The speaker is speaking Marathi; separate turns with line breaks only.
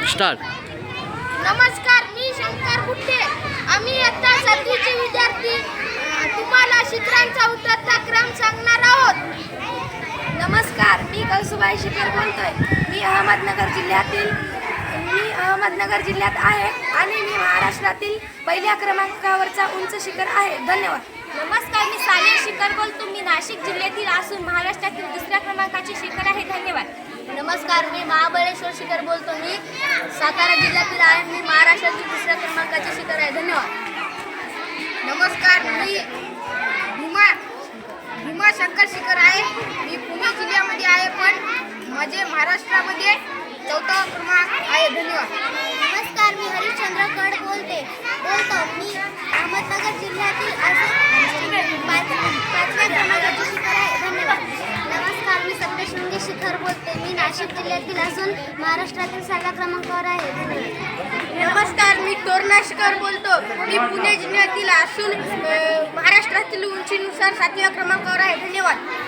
स्टार्ट.
नमस्कार, मी शंकर गुट्टे. आम्ही इयत्ता 7वीचे विद्यार्थी तुम्हाला शिखरांचा उतरता क्रम सांगणार आहोत.
नमस्कार, मी कौसुबाई शिखर बोलतोय. मी अहमदनगर जिल्ह्यात आहे आणि मी महाराष्ट्रातील पहिल्या क्रमांकावरचा उंच शिखर आहे. धन्यवाद.
नमस्कार, मी सानिया शिखर बोलतो. मी नाशिक जिल्ह्यातील असून महाराष्ट्रातील दुसऱ्या क्रमांकाचे शिखर आहे. धन्यवाद.
नमस्कार, मी महाबळेश्वर शिखर बोलतो. मी सातारा जिल्ह्यातील आहे. मी महाराष्ट्रातील दुसऱ्या क्रमांकाचे शिखर आहे. धन्यवाद.
नमस्कार, मी भीमा शंकर शिखर आहे. मी पुणे जिल्ह्यामध्ये आहे, पण माझे महाराष्ट्रामध्ये 4था क्रमांक आहे. धन्यवाद.
नमस्कार, मी हरिश्चंद्र कड बोलतो. मी अहमदनगर जिल्ह्यातील असून 5व्या क्रमांकाचे शिखर आहे. धन्यवाद. नमस्कार, मी सप्तशृंगी शिखर बोलते. मी नाशिक जिल्ह्यातील असून महाराष्ट्रातील 6व्या क्रमांकावर आहे. धन्यवाद.
नमस्कार, मी तोरणा शिखर बोलतो. मी पुणे जिल्ह्यातील असून महाराष्ट्रातील उंचीनुसार 7व्या क्रमांकावर आहे. धन्यवाद.